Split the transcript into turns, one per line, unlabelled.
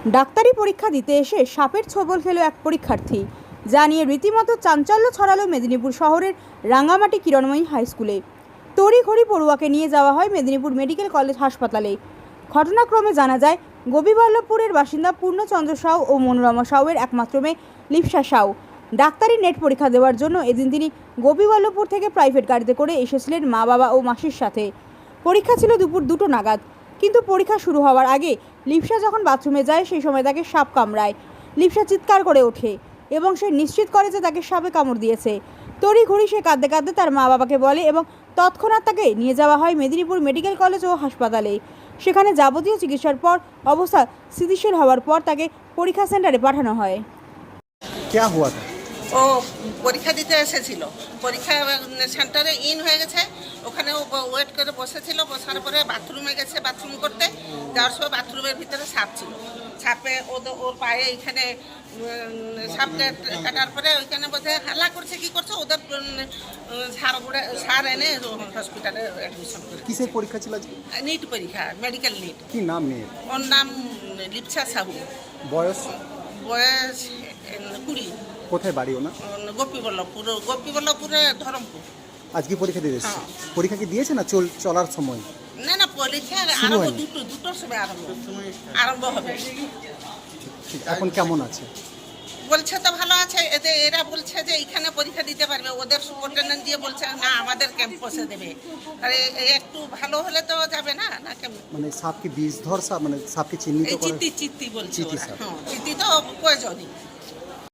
ডাক্তারি পরীক্ষা দিতে এসে সাপের ছোবল খেলো এক পরীক্ষার্থী, যা নিয়ে রীতিমতো চাঞ্চল্য ছড়ালো মেদিনীপুর শহরের রাঙ্গামাটি কিরণময়ী হাই স্কুলে। তড়িঘড়ি পড়ুয়াকে নিয়ে যাওয়া হয় মেদিনীপুর মেডিকেল কলেজ হাসপাতালে। ঘটনাক্রমে জানা যায়, গোপীবল্লভপুরের বাসিন্দা পূর্ণচন্দ্র সাউ ও মনোরমা সাউয়ের একমাত্র মেয়ে লিপসা সাউ ডাক্তারি নেট পরীক্ষা দেওয়ার জন্য এদিন তিনি গোপীবল্লভপুর থেকে প্রাইভেট গাড়িতে করে এসেছিলেন মা বাবা ও মাসির সাথে। পরীক্ষা ছিল দুপুর 2টো নাগাদ, কিন্তু পরীক্ষা শুরু হওয়ার আগে লিপসা যখন বাথরুমে যায় সেই সময় তাকে সাপ কামড়ায়। লিপসা চিৎকার করে ওঠে এবং সে নিশ্চিত করে যে তাকে সাপে কামড় দিয়েছে। তড়িঘড়ি সে কাঁদতে কাঁদতে তার মা বাবাকে বলে এবং তৎক্ষণাৎ তাকে নিয়ে যাওয়া হয় মেদিনীপুর মেডিকেল কলেজ ও হাসপাতালে। সেখানে যাবতীয় চিকিৎসার পর অবস্থা স্থিতিশীল হওয়ার পর তাকে পরীক্ষা সেন্টারে পাঠানো হয়।
क्या हुआ था?
ও পরীক্ষা দিতে এসেছিল, পরীক্ষা সেন্টারে ইন হয়ে গেছে, ওখানে ও ওয়েট করে বসেছিল। বসার পরে বাথরুমে গেছে, বাথরুম করতে যাওয়ার সময় বাথরুমের ভিতরে সাপ ছিল। সাপে ওর পায়ে এইখানে সাপ কাটার পরে ওইখানে বোধহয় হাল্লা করছে, কি করছে, ওদের সার এনে হসপিটালে অ্যাডমিশন করে।
কিসের পরীক্ষা ছিল আজকে?
নিট পরীক্ষা, মেডিকেল নিট।
কি নাম মেয়ের?
ওর নাম লিপসা সাহু,
বয়স?
বয়স 20।
কোথায় বাড়ি ওনা?
গোপীবল্লভপুরে ধরমপুর।
আজকে পরীক্ষা দিয়ে এসেছে?
হ্যাঁ।
পরীক্ষা কি দিয়েছে না চলার সময়?
না পরীক্ষা
শুরু
আরম্ভ
হয়নি?
দুটোর সময় আরম্ভ হবে।
ঠিক, এখন কেমন আছে?
বলছে তো ভালো আছে। এরা বলছে যে এখানে পরীক্ষা দিতে পারবে, ওদের সুপারিনটেন্ডেন্ট দিয়ে বলছে না আমাদের ক্যাম্পাসে দেবে। আরে একটু ভালো হলে তো যাবে না কেমন?
মানে সাপ কি বিষধর সাপ, মানে সাপকে চিহ্নিত
এই
করা?
চিত্তি বলছে
চিত্তি
ওরা।
সাপ।
হ্যাঁ, চিত্তি তো প্রয়োজনই।